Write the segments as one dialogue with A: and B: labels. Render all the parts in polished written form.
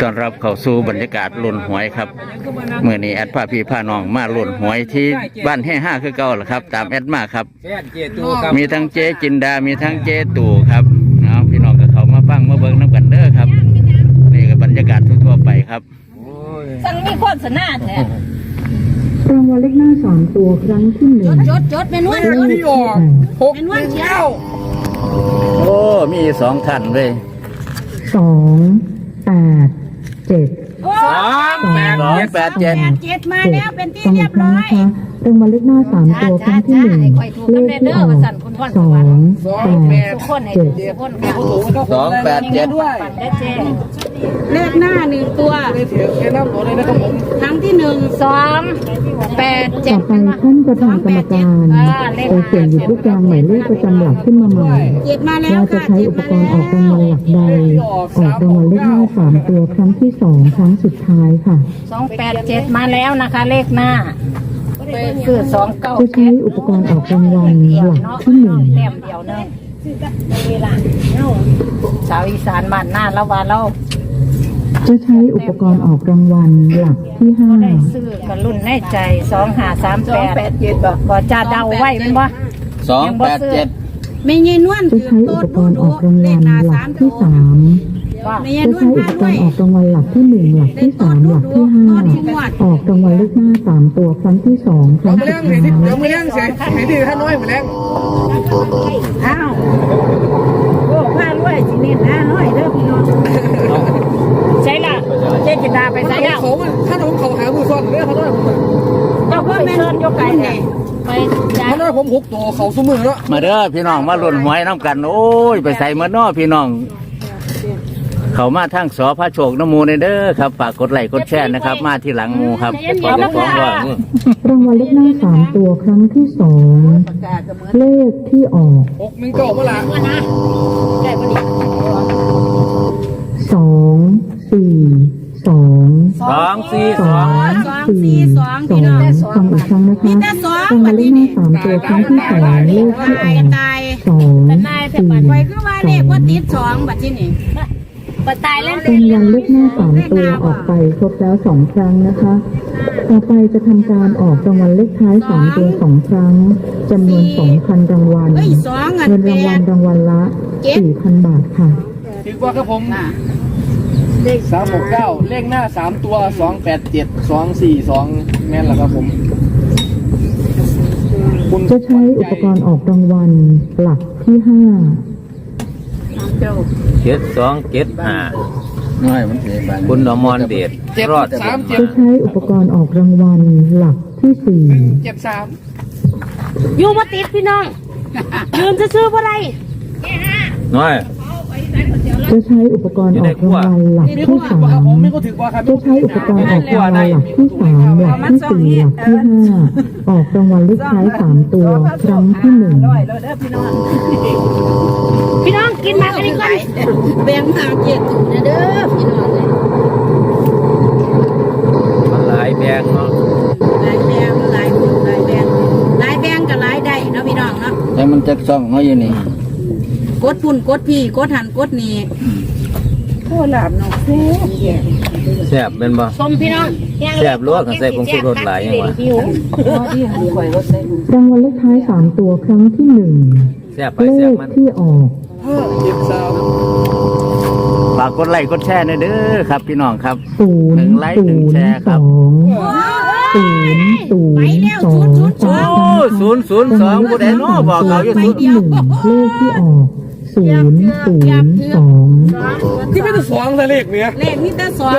A: ต้อนรับเข้าสู่บรรยากาศลุ้นหวยครับเมื่อนี้แอดพาพี่พาน้องมาลุ้นหวยที่บ้านแห่ห้าคือเก่าแหละครับตามแอดมาครับมีทั้งเจ๊จินดามีทั้งเจ๊ตู่ครับเอาพี่น้องกับเขามาฟังมาเบิ่งน้ำกันเด้อครับนี่ก็บรรยากาศทั่วๆไปครับ
B: สั่งมีโฆษณาแท้
C: รางวัลเลขหน้า3 ตัวครั้งที่1
B: จดเป็นวัน
C: ที่ออก
B: เป็นวันเช้า
A: โอ้มี2ท่านเลย
C: 2 8 7
A: 287
B: มาแล้วเป็นที่เรียบร้อย
C: รางวัลเลขหน้า3 ตัวครั้งที่1เลขที่ออก
A: 287
B: เลขหน้า1 ตัวครั้งที่1 287
C: ต่อไปท่านประธานกรรมการจะเสี่ยงหยิบลูกยางหมายเลขประจำหลักขึ้นมาใหม่ว่าจะใช้อุปกรณ์ออกรางวัลหลักใดออกรางวัลเลขหน้า3 ตัวครั้งที่2ครั้งสุดท้ายค่ะ
B: 287มาแล้วนะคะเลขหน้าคือ297
C: จะใช้อุปกรณ์ออกรางวัลหลักที่1
B: แต้มเดียวนึงเวลาชาวอีสานบ้านหน้าละว่าเรา
C: จะใช้อุปกรณ์ออกรางวัลหลักที่5
B: ซื้อกันรุ่นในใจ2538ก็จะเดาไว้เป็นบ่
A: 287
B: ไม่ยินวน
C: จะใช้อุปกรณ์ออกรางวัลหลักที่3จะใช้อุปกรณ์ออกรางวัลหลักที่1หลักที่3หลักที่5ออกรางวัลเลขหน้า3 ตัวครั้งที่2ครั้งสุดท้าย
D: เดี๋ยวมือแรงเสียให้ดีท่านน้อยมือแรง
B: อ้าวโอ้ผ้ารวยสิเนี่ยนะน้อยเด้อพี่น้องใช่ล่ะเจ๊จินดาไปใส่แล้ว
D: ท่านผมเขาหามือซ่อนเลยท่านน้อย
B: เจ้าพ่อแม่เชิญยกไก่เนี่ยไป
D: ท่านน้อยผม6 ตัวเขาสมือแล้ว
A: มาเด้อพี่น้องมาลุ้นหวยน้ำกันโอ้ยไปใส่มาน้อพี่น้องเขามาทั้งสอพระโชคน้ำมูในเด้อครับฝากกดไลค์กดแชร์นะครับมาที่หลังมูครับขอจะฟ้องว่
C: ารางวัลเลขหน้า3 ตัวครั้งที่2เลขที่ออก
D: 6 1 9เมื่อไหร่
C: 2 4 2
A: 242
C: ฟังอีกครั้งนะคะรางวัลเลขหน้า3 ตัวครั้งที่2เลขที่ออก2
B: 4 คือว่าเลขว่าติด2บัดที่นี่ตายแล้ว
C: เป็นวันเลขหน้า3 ตัวออกไปครบแล้ว2 ครั้งนะคะต่อไปจะทำการออกรางวัลเลขท้าย3 ตัว2 ครั้งจำนวน 2,000 รางวัลเงินรางวัลละ 4,000 บาทค่ะ
D: ถือว่าครับผมเลข369เลขหน้า3 ตัว287 242แม่นแล้วครับผม
C: จะใช้อุปกรณ์ออกรางวัลหลักที่5
A: 7275น้อยมันคุณอมรเดชรอด
C: จะใช้อุปกรณ์ออกรางวัลหลักที่
B: 4อยู่มาติดพี่น้องยืนซื้อๆบ่ได้
A: น้อย
C: จะใช้อุปกรณ์ออกรางวัลหลักที่3จะใช้อุปกรณ์ออกรางวัลหลักที่3หลักที่4หลักที่5ออกรางวัลเลขท้าย3 ตัวครั้งที่1
B: พี่น้องกินมากันดีกว่าแบ่งมาเจ็ดถุงนะเด้อพี่น้องเลย
A: มันหลายแบงเนาะ
B: หลายแบงหลายแบงกับหลายได้เนาะพี่น้องเนาะ
A: แต่มันจะซ่องเนาะอยู่นี่
B: กดพุ่นกดพี่กดหันกดนี่โคหลาบเนาะ
A: แซ่บเป็นบ่
B: ส้มพี่น้อง
A: แซ่บลวกใส่ผงชูรสหลายอย่างวะ
C: รางวัลเลขท้าย3 ตัวครั้งที่1
A: แซ่บไป
C: เล
A: แซ่บ
C: ข
A: มัน
C: ที่ออก
A: ฝากกดไลค์กดแชร์หน่อยเด้อครับพี่น้องครับ
C: 1
A: ไลค์1 แชร์ครับ002ผู้ใดน้อบอกเขาอยู่
C: 0ที่1เลขที่ออก002
D: ที่ไม่ต้อง2เลขเนี่ย
B: เลขนี่แต่2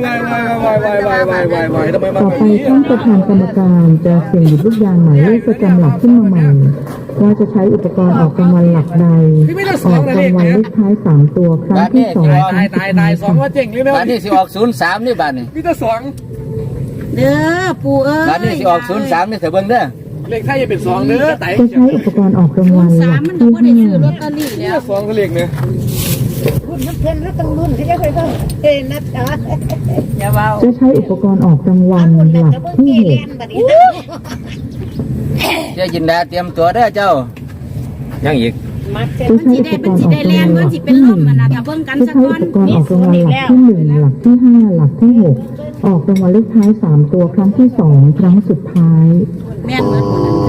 D: ทำไม
C: ต่อไปท่านประธานกรรมการจะเสี่ยงหยิบลูกยางหมายเลขประจำหลักขึ้นมาใหม่ว่าจะใช้อุปกรณ์ออกรางวัลหลักใดออกรางวัลเลขท้าย3 ตัวครั้งที่2
D: ตาย2ว่าเจ๋งเลยนะ
A: บ้านนี้สิออก03นี่บ้านนี้
D: มีแต่
B: 2เด้อปู่เอ้ย
A: บ้านนี้สิออก03นี่เถอะเบิ่งเด้อ
D: เลขไทยจะเป็น2เด้อไต่
C: จะใช้อุปกรณ์ออกรางวัลหลักที่5
B: ลอตเตอรี่แล้ว
D: 2ก็เลขเนี่ย
B: คุณนักเรียนแล้วต้องรุ่นที่จะเคยต้องนะจ๊ะอย่าเบา
C: จะใช้อุปกรณ์ออกรางวัลหลักที่6
A: เจ้าจินดาเตรียมตัวเด้อเจ้ายังอีก
C: ผู้ใช้อุปกรณ์ออกรางวัลหลักที่หนึ่งผู้ใช้อุปกรณ์ออกรางวัลหลักที่หนึ่งหลักที่ห้าหลักที่หกออกรางวัลเลขท้าย3 ตัวครั้งที่2ครั้งสุดท้าย
B: แม่นเหมือนคนนั้น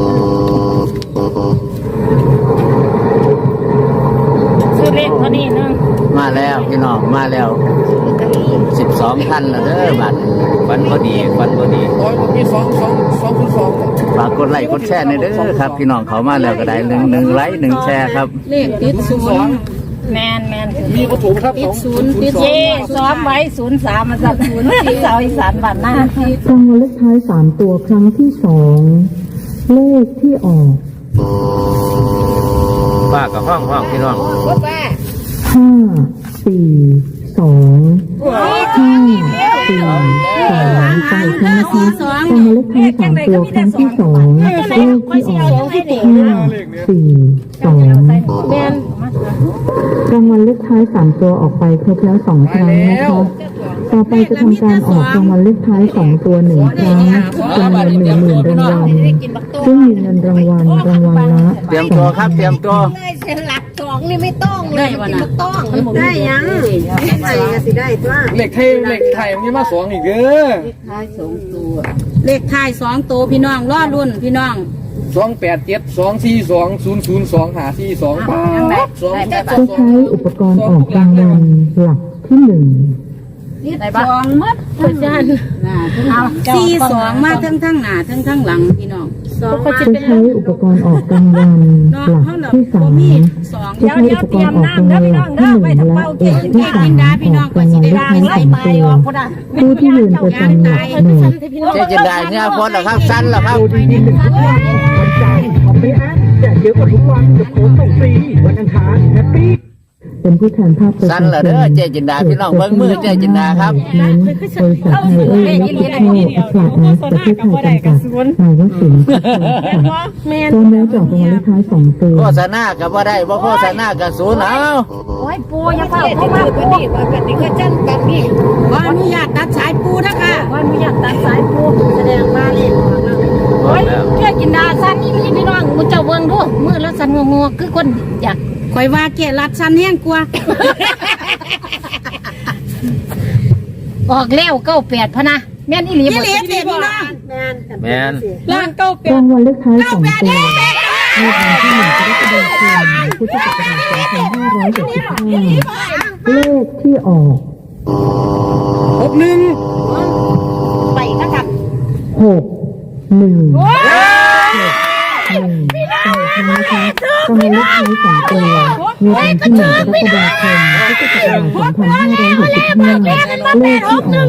B: ซื้อเลขเท่านี้นึง
A: มาแล้วพี่น้องมาแล้ว12คันแล้วเด้อบัดฟันพอดีฟันพอดี
D: โอ้ยมี2
A: ฝากกดไลค์กดแชร์ในอยเด้อครับพี่น้องเขามาแล้วก็ได้หนึ่งไลค์1แชร์ครับ
B: เลขติดศูนย์แมน
D: มีวัตถุครับ
B: ติดศูนย์ติดเจซ้อมไว้03มาจากศูนย์สาวอีสานบ้านหน้าร
C: างวัลเลขท้าย3 ตัวครั้งที่2เลขที่ออก
A: ฝากกับห้องพี่น้อง
C: 5 4 2 5 4 2ไปครั้งนะคะรางวัลเลขท้าย3 ตัวครั้งที่2เลขที่ออก5 4 2
B: แมน
C: รางวัลเลขท้าย3 ตัวออกไปครบแล้ว2 ครั้งนะคะต่อไปจะทำการออกรางวัลเลขท้าย2 ตัว1 ครั้งจำนวน10,000 รางวัลซึ่งมีเงินรางวัลละ
A: เตรียมตัวครับเตรียมตัว
E: เส้นหลักสองนี่ไม่ต้องเล
B: ได้
E: ย
B: วัน
E: ไม่
B: น่ะ
E: ต้องได้ยังใส่สิได้ตัว
D: เหล็กไทยมันมีมา2อีกเด้อ
B: เลขท้าย2ตัวพี่น้องรอรุ่นพี่น้อง
D: 287 242 002 542ป๊าบ
C: จะใช้อุปกรณ์ออกรางวัลหลักที่1
B: ได้ปะ2มัดอาจารย์42มาทั้งหน้าทั้งหลังพี่น้อง
C: จะใช้อุปกรณ์ออกรางวัลหลักที่3จะใช้อุปกรณ์ออกรางวัลหลักที่1และหลักที่3ออกรางวัลเลขท้าย2 ตัวผู้ที่ยืนประจำหลักหน่วย
A: เจ๊จินดาเนี่ยพ้นแล้วครับสั้นแล้วครับ
C: เป็นผู้แทนภาคประชาชน
A: สั้นเหรอเด้อเจ๊จินดาพี่น้องเบิ่งมือเจ๊จินดาครับ
C: นั้นบริษัทไทยและก็อัคราแอสประเทศไทยจำกัดนายวศิลป์พร้อมแล้วจะออกรางวัลเลขท้าย2 ตัว
A: โฆษณากับว่าได้บ่โฆษณากับศูนย์เอา
B: โอ้ยปูอย่าเฝ้าเข้ามาปู
E: นี่ก็จันกันนี่
B: ว่าอนุญาตตัดสายปูนะคะว่าอนุญาตตัดสายปูแสดงมาเลยโอ้ยเจ้ากินดาสันนี่มีพี่น้องมึงเจ้าเบิ่งดูมือแล้วสันงงๆคือคนอยากคอยว่าเกลัดสันแห้งกว่าออกแล้ว98พะนะแม่นอีหลีบ่พี่น้อง
A: แม่น
B: ล่าง
C: รางวัลเลขท้าย2 ตัวในวันที่1กรกฎาคมพุทธศักราช2565เลขที่ออก
B: ไปนะคะ
C: 6 1 6 1นะคะรางวัลเลขท้าย2 ตัวในวันที่1กรกฎาคมพุทธศักราช2565เลขที่ออก6 1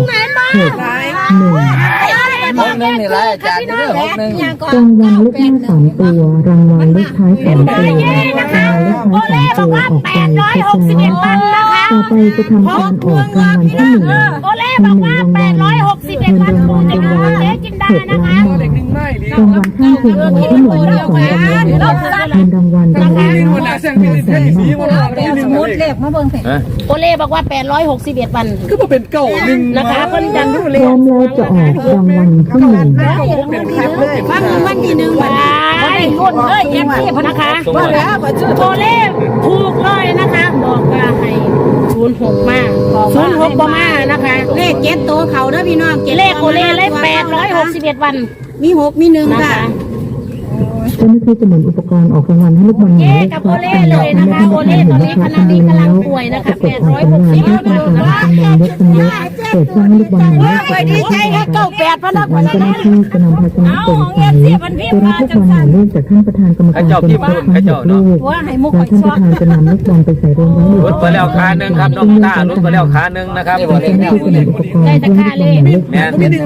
A: 61นี่แหละอาจารย์เด้อ61
C: รางวัลเลขหน้า3 ตัวรางวัลเลขท้าย2 ตัวรางวัลเลขท้าย2 ตัวออกไปครบแล้วนะคะต่อไปจะทำการออกรางวัลที่1มี1รางวัลเงินรางวัลรางวัลละ6 ล้านบาทรางวัลข้างเคียงรางวัลที่1มี2รางวัลเงินรางวัลรางวัลละ100,000 บาท
B: สมุดเลขมาเบิ่งเถอะโอเล่บอกว่า861วัน
D: คือมาเป็นเก่าหนึ่ง
B: นะคะคนจันทร์
C: พร้อมแล้วจะออกรางวัลที่1
B: ฟังวันที่1วันบ่ได้รุ่นเลยเอฟซีพนะคะว่าแล้วโอเล่ถูกเลยนะคะบอกว่าให้06มา06บ่มานะคะเลข7ตัวเขาเด้อพี่น้องเลขโอเล่เลข861วันมี6มี1ค่ะ
C: เจ้าหน้าที่จะหมุนอุปกรณ์ออกรางวัลให้ลูกบอลหมายเลขครบตามหลักในธนาคารเห็นราคาคำนวณแล้วจะกดออกรางวัลด้วยการกำหนดจำนวนเล็กเป็นเล็กเปิดช่องให้ลูกบอลหมายเลขกดออกที่รางวัลจากนั้นเจ้าหน้าที่จะนำภาชนะโปร่งใสตัวรับลูกบอลหมายเลขจากท่านประธานกรรมการเป็นผู้ทั้ง6 ลูกและท่านประธานจะนำลูกบอลไปใส่รวมไว้ใน
A: รถไปแล้วขาหนึ่งครับน้องตารถไปแล้วขาหนึ่งนะครับ
C: เจ้าหน้าที่จะหมุนอุปกรณ์เพื่อให้ลูกบอลหมายเลข
A: แม่น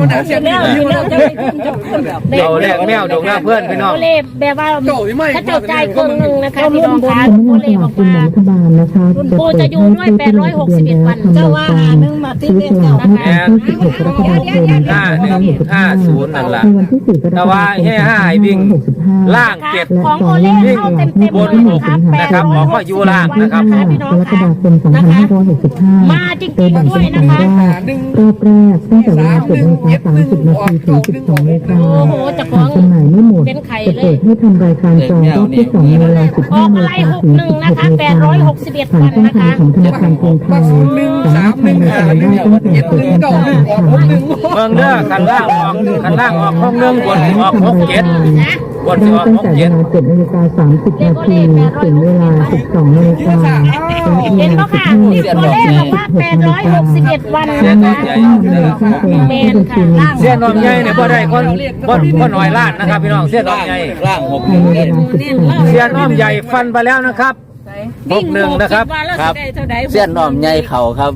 A: เราแลกแมวดงหน้าเพื่อนพี่น้อง
B: โอเล่แบบว่าถ้าเจ้าใจครึ่งนึงนะคะพี่น้องคะ
C: สำนัก
B: โอง
C: านส
B: เล่
C: ลา
F: Dạ,
C: กกินแบ่งรัฐบาลนะคะจะเปิดให้ผู้ที่ลงทะเบียนแล้วทำรายการซื้อสลากเมื่อวันที่16 กรกฎาคม
A: 5150นั่นล่ะ
C: ในวันที่4 กรกฎาคม
A: ล่างเก็บ
C: และต่อล่างออกในวันที่1 สิงหา
A: นะครับออกมาอยู่ล่างนะครับ
C: กรกฎาคม 2565
B: มาจริง
C: โดย
B: ๆ
C: แบ่ง
B: ด้ว
C: เป็
B: ย
C: น
B: นะ
C: 2
B: คะ
C: รอบแรกตั้งแต่เวลา7:30 น. ถึง 12:00 น. หากจำหน่ายไม่หมดจะเปิดดให้ทำรายการจองรอบที่ 2 ในเวลา 15 นาฬิกาถึง 16 นาฬิกาผ่านช่องทางของธนาคารกรุงไทยสามารถทำรายการได้ตั้งแต่เปิดการแข่งขัน
F: เมืองเด้อขันล่างออกห้องนึงบนออก67บน
C: ได้
F: ออก
C: ตั้งแต่เวลา 7 นาฬิกา 30 นาทีถึงเวลา 12 นาฬิกาและเว
B: เห็น
C: ลา
B: บ่ค่ะ
C: 15 นาฬิ
B: ตัว
C: กา
B: เลข
C: ถึง
B: บอกว่า
C: 16 นาฬิกา
B: 861 วัน
C: และ
B: นะ
C: มี
B: คะ
C: จะต้องนำค่าสลากที่บัญชีเงิน
F: เสี้ยนนมใหญ่เนี่ยบ่ได้บ่หน่อยล้านนะครับพี่น้องเสี้ยนนมใหญ่
A: ร่างหก
C: ภายในเวลา
F: เสี้ยนนมใหญ่ฟันไปแล้วนะครับ61นะครับ
A: ครับเส้นน้อมใหญ่เข่าครับ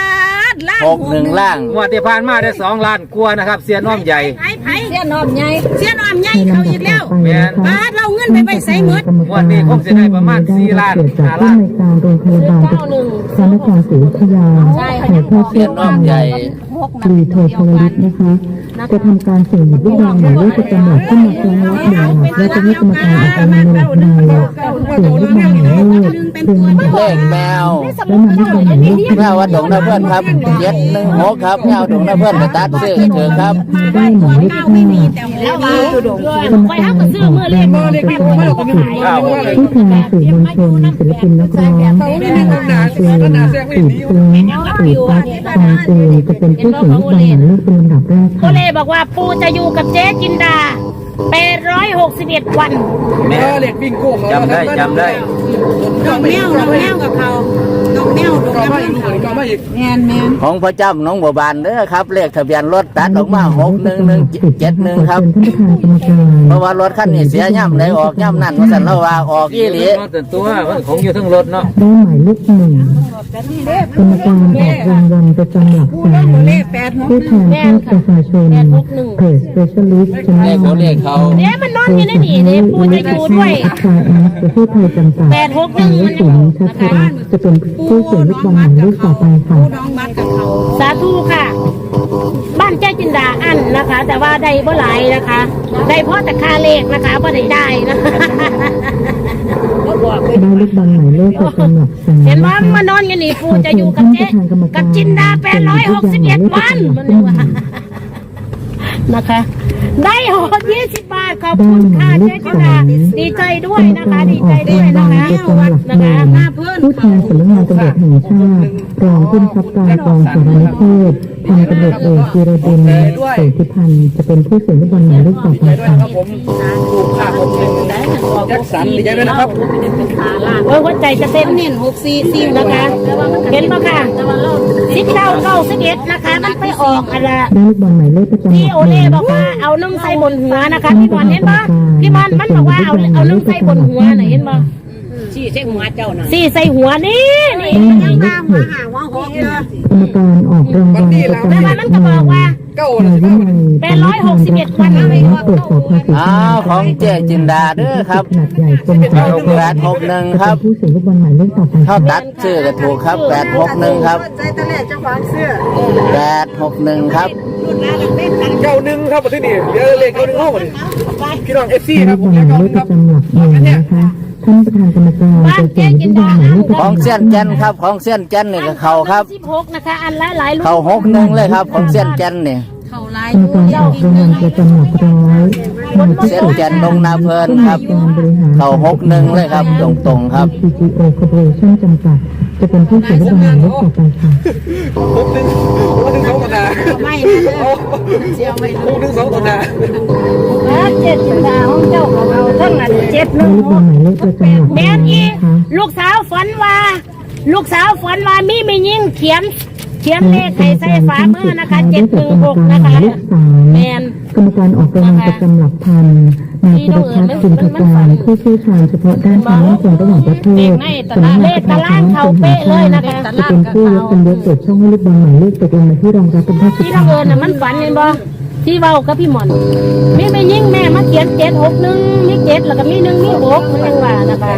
A: 61ล่าง
F: งวดที่ผ่านมาได้2 ล้านกว่านะครับเสี้ยนนมใหญ่
B: เสี้ยนอมใหญ่เสี้ยนอมใหญ่
C: ใน
B: เขา
C: ลำดั
B: อี
C: บ
B: กแล้
C: ต่
B: ว
C: อไปนะคะ
B: บาทเราเงินไปใส่หมด
F: วันนี้คงจะได้ประมาณ4 ล้าน
C: เกิดจากที่ในการโรงพยาบาลพระนครศรีอยุธยาในแพทย์
A: เส้นน้อมใหญ่
C: ตรีโทชวลิตนะคะจะทำการเสี่ยงหยิบลูกบอลหมายเลขประจำหลักขึ้นมาครั้งละ1 หลักและจะให้กรรมการออกรางวัลในหลักใดเสี่ยงลูกบอลหมายเลขเพียง1
A: เลขแมว
C: และนำลูกบอลหมายเลข
A: แมววัดดงนาเพื่อนครับ716ครับแมวดงนาเพื่อนไปตัดซื้อเถอะครับ
C: ได้หมายเลข5
B: แล้วว่า
C: กรรมการออกรางวัลประจำหลัก10ผู้แทนสื่อมวลชนศิลปินนักร้องนายเจนสืบซึ้งสืบปักฟองเจนจะเป็นผู้เสี่ยงลูกบอลหมายเลขเป็นลำดับแรก
B: โค
C: ค่ะ
B: เล่บอกว่าปูจะอยู่กับเจ๊จินดา861 วัน
D: เเลขบิงโก้เขา
F: จำได้
E: ดอกแมวกับเขาดอกแมวดอก
D: ก็
E: แม
D: มาว อีกลูกก็มาอีก
E: แมน
A: ของพระเจ้าน้องบัวบานเด้อครับเลขทะเบียนรถตัดออกมา6171ครับ
C: ท่านประธานกรรมการ
A: เพราะว่ารถคันนี้เสียย่ำไหนออกย่ำนั่นว่าสันเราว่าออกอีหลี
F: แต่ตัวมันของอยู่ทั้งรถเนาะ
C: ได้หมายเลข1กรรมการออกรางวัลประจำหลักแสนผู้แทนภาคประชาชนเพจ Specialist ช
A: เลข
C: แน
A: เขา
C: ล
A: เลขเขา
B: เดี๋ยวมันนอนอยู่ในนี่เดี๋ยวปูจะอยู่ด้วย
C: ชายแอสประเทศไทยจำกัด
B: 861
C: นายสินชัชรัตน์จะเป็นผู้เสี่ยงลูกบอลหมายเลขต่อไปค่ะ
E: น้องมัดกับเขา
B: สาธุค่ะ บ้านเจ๊จินดาอันนะคะ แต่ว่าได้บ่หลายนะคะ ได้เพราะแต่ค่าเลขนะคะบ่ได้นะคะ
C: ได้ลูกบอลหมายเลขประจำหลักแสน
B: เห็น
C: นะ
B: ว่า
C: คะ
B: มานอนอยู่นี่ปูจะอยู่กับเจ๊กับจินดา861 วันมันเลยว่านะคะ ได้โหด20 บาทขอบคุณค่ะเจ๊จินดาดีใจด้วยนะคะ ดีใจด้วยนะคะ
C: ประจำหลักหนึ่งผู้แทนสำนักงานตำรวจแห่งชาติรองผู้บังคับการกองสารนิเทศพันตำรวจเอกจิรดินโสธิพันธ์จะเป็นผู้เสี่ยงลูกบอลหมายเลขต่อไป
D: ด้วย
C: ค่ะ
D: ครับผมถูกขาผมแจ็คสันดีใจด้วยนะครับ
B: โอ้ยหัวใจจะเต้นเน้น644นะคะ เห็นปะค่ะ1991นะคะ มันไปออกอะไร
C: ได้ลูกบอลหมายเลขประจำหลัก
B: พี่โอ
C: ห
B: เล่
C: นึ่ง
B: บอกว่าเอานุ่มใส่บนหัวนะคะพี่บอลเห็นปะพี่บอลมันบอกว่าเอานุ่มใส่บนหัวน่ะเห็นปะสี่ใส่หัวเจ้าน่ะสี่ใส่หัวนี่
C: ได้หมายเลขหก
E: หาว่าหกเด้อก
C: รรมการออกรางวัลประจำห
B: แม่
C: ลั
B: มัน
C: ก
B: มัน
C: ห
B: ก็
C: นึ่
B: บอกว่า
D: เก้า
C: นายวินัย
B: 861 วัน
C: และตรวจสอบภาษี
A: อ้าวของเจ๊จินดาเด้อครับ
C: ขนาดใหญ่กรมสรรพากร
A: 861ครับ
C: ผู้เสี่ยงลูกบอลหมายเลขต่อไป
A: เขา
C: ค่ะ
A: ตัดชื่อก็ถูกครับ861ครับ
E: ใจตะเล่เจ้าของเสื้อ
A: 861ครับ
E: รุ่นนั้นเล่นกัน
D: 91ครับที่นี่เดี๋ยวเลข91ห้องมาดิพี่น้อง FC
C: ได้
D: ค
C: ลู
D: รับ
C: ก
D: ผ
C: บอ
D: ม
C: ลหมายเลขประจำหลักหนึ่งนะคะท่านประธานกรรมการจะเสี่ยงลูกบอลหมายเลขประ
A: ของ
C: จำหลัก
A: เส้ยนแจนครับของเส้ยนแจนนี่ก็เขาครับ
B: 16นะคะอันหลายๆลูก
A: เขา61เลยครับของเส้ยนแจนนี่
E: เขาลาย
C: กรรมการออกรางวัลประจำหลักร้อยนายพิ
A: เส้น
C: สุทธิ์
A: แจนดงนาเพลินครับ
C: การบริหาร
A: เขา61เลยครับตรงๆครับ
C: CGO Corporation จำกัดจะเป็นผู้เสี่ยงลูกบอลหมายเลขต่อไปค่ะ
D: ผมถึง2ตัวหน้า
E: ไม่เสียวไม่
D: ผมถึง2ตัวหน้า
B: เจ็ดจินดาของเจ้าของเราทั้งนั้น7
C: ได้ลูกบอลหมายเลขประจำหลัก
B: แม่
C: ร้อย
B: อี
C: นะคะ
B: ลูกสาวฝันว่ามีไม่ยิ่งเขียนเลขให้ใส่ฝามือนะคะ716นะคะแมน
C: กรรมการออกรางวัลประจำหลักพันนายธีรพัฒน์จินตการผู้เชี่ยวชาญเฉพาะด้านความมั่นคงระหว่างประเทศสำนักงานประชาสัมพันธ์แห่งชาติจะเป็นผู้ยกเป็นยกเปิดช่องให้ลูกบอลหมายเลขตกลงมาที่รองรับเป็นผู้สุด
B: ที่
C: ท้า
B: เรา
C: ย
B: เอิญน่ะมันฝันเห็นบ่ที่เว้ากับพี่หมอนมีไม่ยิ่งแม่มาเขียน761มี7แล้วก็มี1มี6มันยังว่านะคะ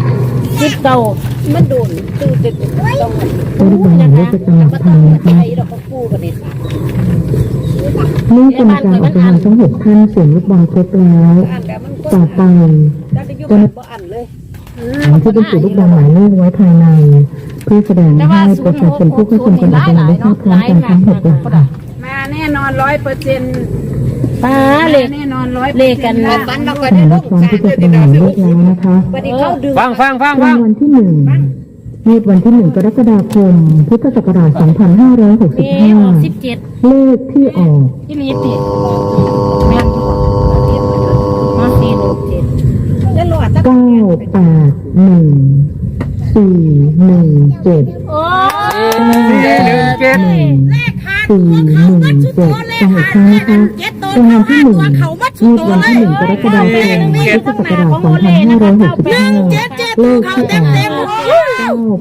B: 19มันโดนตื่นเต้น
C: ได้ลูกบอลหมายเลขประจำหลักพันนะคะ
B: เราก็กู้กันนี่
C: เมื่อกรรมการออกรางวัลทั้ง6ท่านเสียงลูกบอลครบแล้วต่อไปจะนำที่บรรจุลูกบอลหมายเลขไว้ภายในเพื่อแสดงให้ประชาชนผู้เข้าชมการออกรางวัลได้ทราบพร้อมกันทั้ง6หลักค่ะ
E: มาแน่นอน100%
B: ป้าเลขเลขกันนะ
C: แต่ละพร้อมที่จะประมวลเลขแล้วนะคะ
F: ฟัง
C: รางวัลที่1งวดวันที่1กรกฎาคมพุทธศักราช
B: 17
C: 2565เลขที่ออก
B: ที่ลีติแม่นมา417แล้วหลอดจัก
C: 981 417
B: โอ้
F: 417
C: 417จังหวัดครั้งนะคะรางวัลที่1งวดวันที่1กรกฎาคมพุทธศักราช 2565เลขที่ออก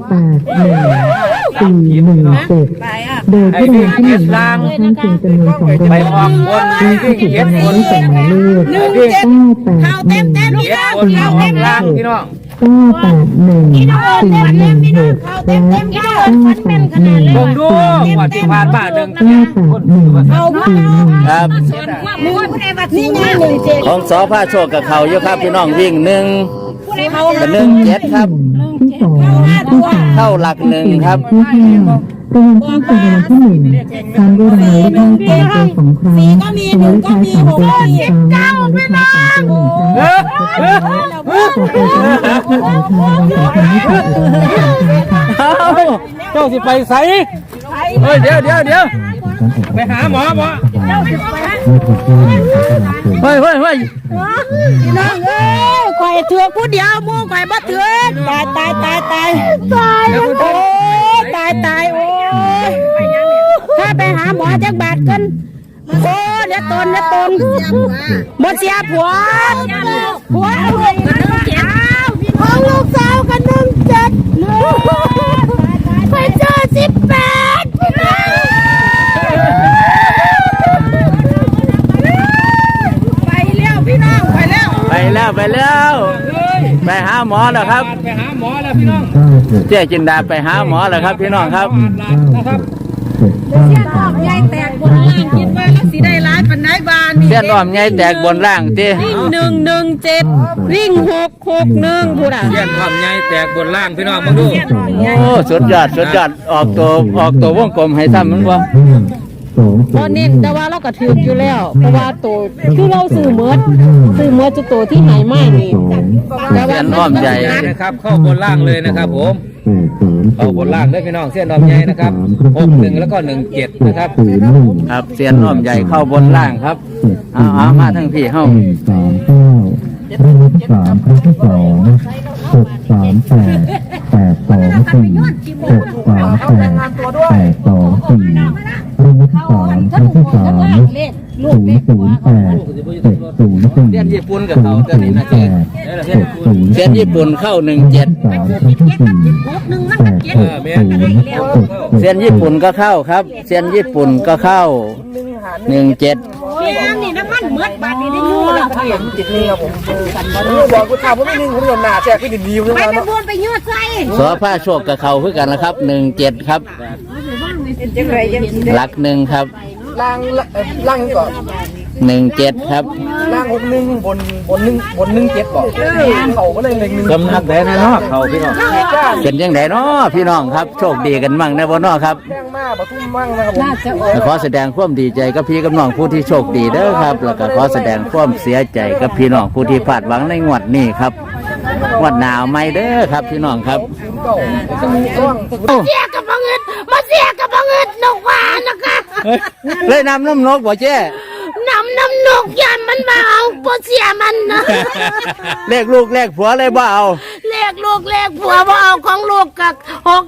C: 981 417โดยที่รางวัลที่1ท่านเพียงจำนวน2ราง
F: ไป
C: วัล
F: ออกบน
C: เลขที่ถูกรางวัลที่2หมายเลข
F: บนออกล่างพี่น้อง
C: 981 416และ 981
F: ลงดูว่าที่ผ่านมาหนึ่ง
A: ครับ
B: นี่ไง17
A: ของสอผ้าโชคกับเขาอยู่ครับพี่น้องวิ่ง1กับ17ครับ
C: ที่สองที่สาม
A: เข้าหลัก1ครับ
C: ที่ห้ารางวัลที่1รางวัลที่1ตามด้วยรางวัลเลขท้าย3ตัว2ครั้งรางวัลเลขท้าย3ตัว3ครั้งรางวัลเลขท้าย3ตัว1ครั้งต่อไปจะได้รับที่อ่านทางรางวัลสำคัญที่สุดอีกรางวัลสำคัญค่ะ
F: เจ้าสิไปใส่เฮ้ยเดี๋ยวไปหาหมอเฮ้ย
E: พี่น้องเอ้ยข่อยเถือกผู้เดียวหมู่ข่อยบ่เถือกตายโอ้ตายโอ้ยถ้าไปหาหมอจักบาทกันโอ้เดี๋ยวตนบ่เสียผัวเอาเลยของลูกสาวกัน17ไปเจอ18พี่น้องไปแล้วพี่น้องไปแล้ว
A: ไปแล้วไปหาหมอแล้วครับ
F: ไปหาหมอแล้วพี่น้อง
A: เจ๊จินดาไปหาหมอแล้วครับพี่น้องครับ
F: นะครับ
E: ยายแตกบนล่างคิดว่าแล้วสิได้ร้ายปันไดบานนี่
A: เส้นอ้อมใหญ่แตกบนล่างติ
E: วิ่ง117วิ่ง661ผู้ใด
F: เยี่ยนความใหญ่แตกบนล่างพี่น้องมาดู
A: โอ้สุดยอดออกตัววงกลมให้ซ้ำมันบ่
E: บ่เน้นแต่ว่าเราก็ถืออยู่แล้วเพราะว่าตัวคือเราซื้อเมื่อจะตัวที่ไหนมานี่แต่
A: เส้
E: ว่าน
A: อ้อมใหญ่
F: นะครับเข้าบนล่างเลยนะครับผมเข้าบนล่างด้วยพี่น้องเส้นอ้อมใหญ่นะครับ61แล้วก็17นะครับ
A: ครับเส้นอ้อมใหญ่เข้าบนล่างครับเอามาทั้งพี่เฮา
C: รางวัลที่3ครั้งที่2 638 824 638 824รางวัลที่3ครั้งที่3 008 704
A: เส้นญี่ปุ่นกับเขาตัวนี้นะเจ๊
C: 704
A: เส้นญี่ปุ่นเข้า17
C: 3ครั้งที่4 860
A: เส้นญี่ปุ่นก็เข้าครับเส้นญี่ปุ่นก็เข้า17
E: นี่น้ำมันเหมือนบาทนี่ได้อยู่แล้ว
D: ติดนี่ครับผมบอกกูถามว่าไม่นิ่งผมโดนหนาแจกพี่ดินดีเลย
E: ไป
D: นะ
E: พูนไปยืดใส่
A: สอผ้าโชคกับเขาคือกันนะครับ17ครับหลัก1ครับ
D: ล่างก่อน
A: 17ครับ
D: ล่าง61บน17ก่อนเขาก็เลย1
F: กำนักแดนเนาะเขาพี่น้อง
A: เป็นยังไงเนาะพี่น้องครับโชคดีกันมั่งนะบ่เนาะครับ
D: แป้งมากปทุ่มมั่งนะครับผม
A: ขอแสดงความดีใจกับพี่กับน้องผู้ที่โชคดีเด้อครับ แล้วก็ขอแสดงความเสียใจกับพี่น้องผู้ที่พลาดหวังในงวดนี้ครับงวดหนาวไม่เด้อครับพี่น้องครับ
B: เสียกับบังเอิญมาเสียกับบังเอิญนกหวานนะคะ
A: เลยนำน้ำนกบ่เจ้
B: น้ำนกยันมันมาเอาปเสียมันนะ
A: เลขลูกเลขผัวเลยบ่เอา
B: เลขลูกเลขผัวบ่เอาของลูกกับ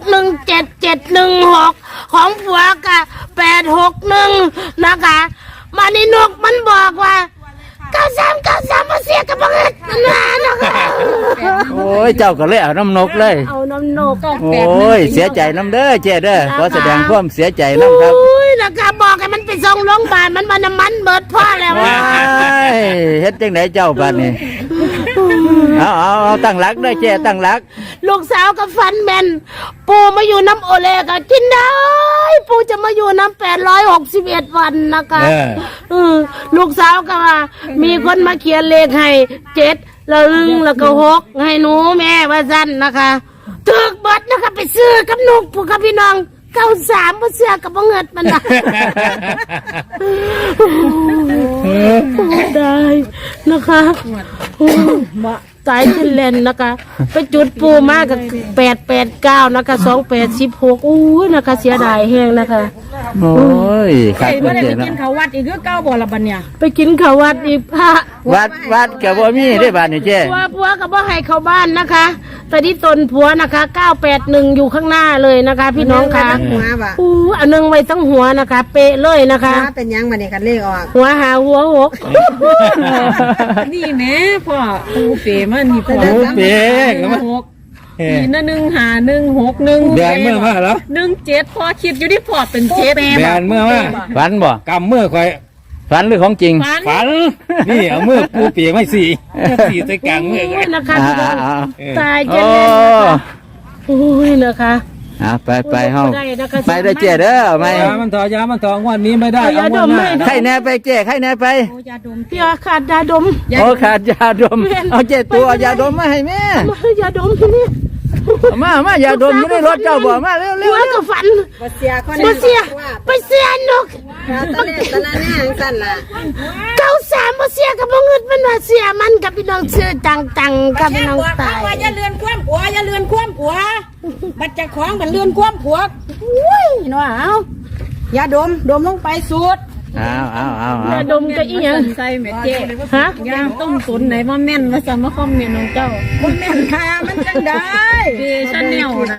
B: 617716ของผัวกับ861นะคะมานี่นกมันบอกว่า93มาเสียกับบังเอิญมันมานะคะ
A: โอ้ยเจ้าก็เลยเอาน้ำนกเลย
B: เอาน้ำนก
A: โอ้ยเสียใจน้ำเด้อเจ้เด้อขอแสดงความเสียใจน้ำครับ
B: โอ้ยนะคะบอกให้มันไปส่งโรงพยาบาลมันน้ำมันเบิดพ่อแล้ว
A: ว้ายเฮ็ดจังไดเจ้าบัดนี้เอาตั้งหลักเด้อเจ้ตั้งหลัก
B: ลูกสาวกับฟันแมนปูมาอยู่น้ำโอเลก็กินได้ปูจะมาอยู่น้ำ861 วันนะคะลูกสาวก็ว่ามีคนมาเขียนเลขให้7แล้วแล้วก็6ให้หนูแม่ว่าสั้นนะคะถึกเบิดนะคะไปซื้อกับนุกผู้กับพี่น้อง 93บ่เชื่อกับบ่เงิดมันน่ะได้นะคะสายจินเลนนะคะ ไปจุดปูมากกับ889นะคะ2816อู้นะคะเสียดายแฮงนะคะ
A: โอ้ยครับ
E: ไอ้บ่ได้
A: เจ๊
E: ไป
A: เนาะ
E: กินข้าววัดอีกคือเก้าบ่ละบัดเนี่ย
B: ไปกินข้าววัดอีกพระ
A: วัดกับบ่มีได้บาดนี่เจ๊
B: ผัวก็บ่ให้เข้าบ้านนะคะ แต่ที่ตนผัวนะคะ981อยู่ข้างหน้าเลยนะคะ พี่น้องคะ
G: หัวบ่ะ
B: อู้อันนึงไว้ตั้งหัวนะคะ เป๊ะเลยนะคะ
G: ถ้าเป็นหยังมาเนี่ยกันเลขออก
B: หัวหาหัวหก
E: นี่แม่พ่อปูเป๋มันนี่พ่อ
F: โอ้เป๊กแล้วมั้ย
E: นี่นะ15161
F: แบนเมื่อมาแล้ว
E: 17พ่อคิดอยู่ที่พ่อเป็น7
F: แบนเมื่อมา
A: ฝันบ่
F: กำเมื่อคอย
A: ฝันหรือของจริง
F: ฝันนี่เอามือปูเปียไม่สี่ใส่กลางมือ
B: โอ้ยนะคะ
A: อ่า
B: พี่น้อง
A: อ่า
B: ตาย
A: โอ้
B: จะเล่นนะคะโอ้ยนะคะ
A: ไปเฮา
B: ได้นะคะ
A: ไปได้เจ๊เด้อไม่
F: ยามันถอวันนี้ไม่ได้เอางวดหน้า
A: ใครแน่ไปเจ๊ใครแน่ไป
E: ยาดม
B: พี่อาขาดยาดม
A: โอ้ขาดยาดมเอาเจ๊ตัวเอายาดมมาให้แม่
B: มาให้ยาดมที่นี่
A: มายาดมอยู่ในรถเจ้าบ่มาเร็ว
B: หัวกับฟัน
G: บ่เสียคน
B: บ่เสียไปเสียนก
G: ตะเล่ตะละแน่จังซั่นล่ะ
B: 93บ่เสียกับบ่เงินมันว่าเสียมันกับพี่น้องชื่อจังๆกับพี่น้องตาย
E: ว่าอย่าเลือนความผัวอย่าเลือนความผัวบัดเจะของมันเลือนความผัวอุ้ยเนาะเอาอย่าดมลงไปสูด
A: เอา
B: ยาดมก็อีหยัง
E: ใส่แม่เจ๊
B: ฮะ
E: ยาต้มตุนไหนว่าแม่นว่าจะมาคอมเมนต์ของเจ้าบ่แม่นค่ะมันจังได้ดีฉันแนวนะ